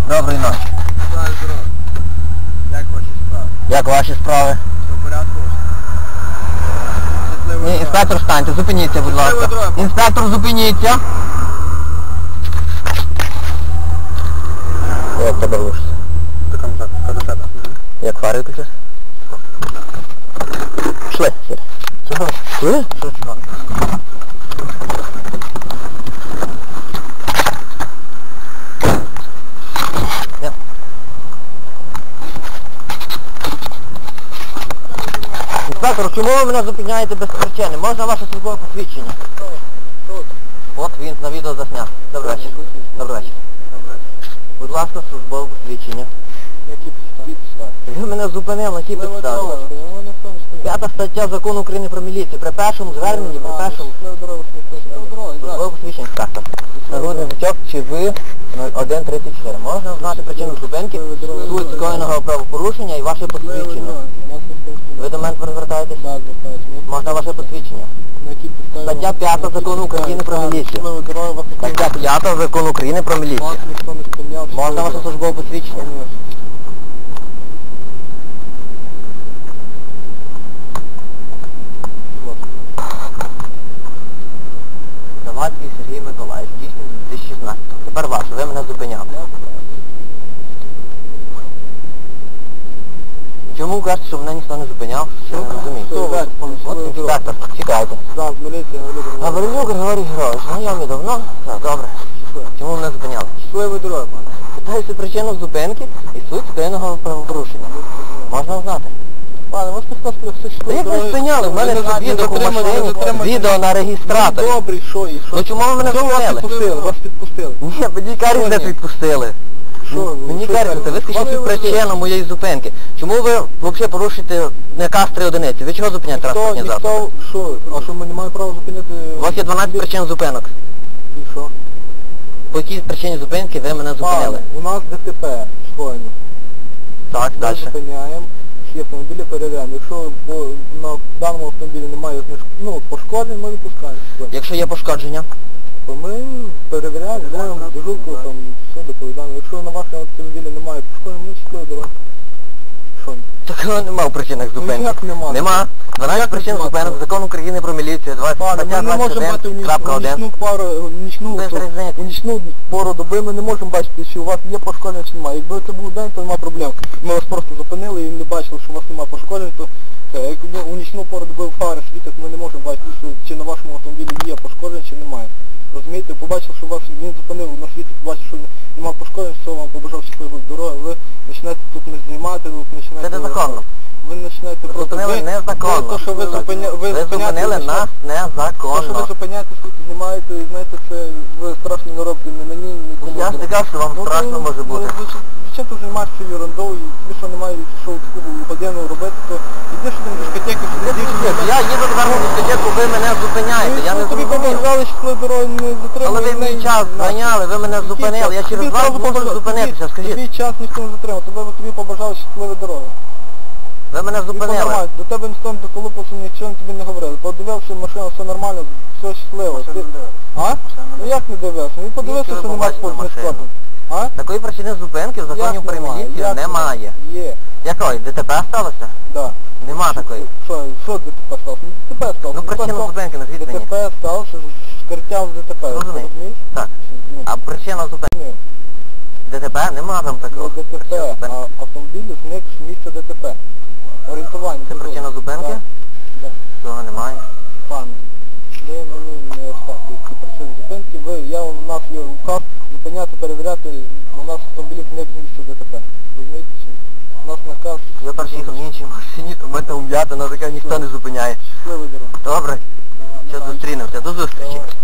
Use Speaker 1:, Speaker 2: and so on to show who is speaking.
Speaker 1: Доброї ночі.
Speaker 2: Вітаю, здорово. Як ваші справи?
Speaker 1: Як ваші справи?
Speaker 2: Все в порядку?
Speaker 1: Ні, інспектор, станьте, зупиніться, будь ласка.
Speaker 2: дорога.
Speaker 1: Інспектор, зупиніться. Як тебе глушиться?
Speaker 2: Кадушета.
Speaker 1: Як фари виключиш? Шли, сіре.
Speaker 2: Чого?
Speaker 1: Шли?
Speaker 2: Що чого?
Speaker 1: Інспектор, чому ви мене зупиняєте без причини? Можна ваше службове посвідчення? От він на відео засняв. Добрий вечір. Добрий вечір. Будь ласка, службове посвідчення.
Speaker 2: Які підстави?
Speaker 1: Ви мене зупинили, на тій підставі. 5 стаття Закону України про міліцію. При першому зверненні, при першому... Службове посвідчення, інспектор. Нагрудний значок, чи ви 0134. Можна знати причину зупинки, суть скоєного правопорушення і ваше посвідчення. Ви до мене звертаєтесь? Можна ваше посвідчення. Стаття 5 Закону України про міліцію. Стаття 5 Закону України про міліцію. Можна ваше службове посвідчення? Завадський Сергій Миколаївич, дійсно 2016. Тепер ваше, ви мене зупиняли. Чому кажете, що мене ніхто не зупиняв? Що не розумію. От інспектор, чекайте. Гаврилюк Григорій Григорович, знайомі давно? Так, добре. Чому мене зупиняли?
Speaker 2: Щасливої дороги, пане.
Speaker 1: Питаюся причину зупинки і суть скоєного правопорушення. Можна знати?
Speaker 2: Пане, можете сказати, все що
Speaker 1: Як ви спиняли? В мене ж відео в машині, відео на реєстраторі.
Speaker 2: Добре, що і що?
Speaker 1: Ну чому ви мене зупинили?
Speaker 2: Вас підпустили.
Speaker 1: Ні, мені кажуть, не відпустили.
Speaker 2: Що?
Speaker 1: Мені кажете, ви скажіть причину моєї зупинки. Чому ви взагалі порушуєте наказ 3 одиниці? Ви чого зупиняєте транспортні засоби?
Speaker 2: Ніхто, що? А що ми не маємо права зупиняти?
Speaker 1: У вас є 12 причин зупинок.
Speaker 2: І що?
Speaker 1: По якій причині зупинки ви мене зупинили?
Speaker 2: Пане, у нас ДТП скоєно.
Speaker 1: Так,
Speaker 2: Ми
Speaker 1: далі.
Speaker 2: зупиняємо, всі автомобілі перевіряємо. Якщо на даному автомобілі немає пошкоджень, ми випускаємо.
Speaker 1: Якщо є пошкодження?
Speaker 2: То ми перевіряємо, даємо дежурку, там все доповідаємо. Якщо на вашому автомобілі немає пошкоджень, ми щасливо дорога. Що?
Speaker 1: Такого нема в причинах зупинки.
Speaker 2: як нема?
Speaker 1: Нема. 12 причин
Speaker 2: нема?
Speaker 1: зупинок, Закон України про міліцію,
Speaker 2: Пане, ми не можемо бачити у
Speaker 1: 21.1.
Speaker 2: нічну пору доби, ми не можемо бачити, чи у вас є пошкодження, чи немає. Якби це був день, то немає проблем. Ми вас просто зупинили і не бачили, що у вас немає пошкоджень, то якби у нічну пору доби фари світять, ми не можемо бачити, чи на вашому автомобілі є пошкодження, чи немає. Розумієте, побачив, що вас він зупинив на світі, побачив, що немає пошкоджень, що вам побажав щасливої дороги, ви починаєте тут не знімати, ви починаєте...
Speaker 1: Це незаконно.
Speaker 2: Ви починаєте просто...
Speaker 1: Зупинили незаконно.
Speaker 2: То, що ви
Speaker 1: зупинили нас
Speaker 2: те, що ви
Speaker 1: незаконно.
Speaker 2: зупиняєте, тут знімаєте, і знаєте, це ви страшно не робите не мені, нікому.
Speaker 1: Я ж не кажу, що вам страшно може бути.
Speaker 2: Чим ти займаєшся ерундою, і тобі що немає, що таку годину робити, то йдеш до дискотеки,
Speaker 1: Я їду тепер на дискотеку, ви мене зупиняєте, я не
Speaker 2: тобі
Speaker 1: зрозумів.
Speaker 2: побажали, що твої дороги не затримують.
Speaker 1: Але ви мій час зайняли, ви мене зупинили, я через вас можу зупинитися, скажіть.
Speaker 2: Тобі час ніхто не затримав, тобі побажали щасливі дороги.
Speaker 1: Ви мене зупинили.
Speaker 2: До тебе ніхто не доколупався, нічого тобі не говорили. Подивився машину, все нормально, все щасливо. А? Ну як не дивився? Він подивився, що немає спорту. А?
Speaker 1: Такої причини зупинки в законі про міліцію немає.
Speaker 2: Є.
Speaker 1: Якої? ДТП сталося?
Speaker 2: Так.
Speaker 1: Нема такої.
Speaker 2: Що ДТП сталося? ДТП сталося.
Speaker 1: Ну причину зупинки назвіть мені.
Speaker 2: ДТП сталося, шкертя в ДТП.
Speaker 1: Розумію. Так. А причина зупинки? ДТП? Нема там такого.
Speaker 2: Не ДТП, а автомобіль зник з місця ДТП. Орієнтування.
Speaker 1: Це причина зупинки?
Speaker 2: Так.
Speaker 1: Цього немає.
Speaker 2: Пане, ви мені не оставте ці причини зупинки. У нас є указ зупиняти, перевіряти, у нас автомобілі зник з місця ДТП. Розумієте? У нас наказ...
Speaker 1: Я перший їхав в іншій машині, то мене ум'ята, на таке ніхто не зупиняє.
Speaker 2: Щасливої дороги.
Speaker 1: Добре. Що зустрінемося. До зустрічі.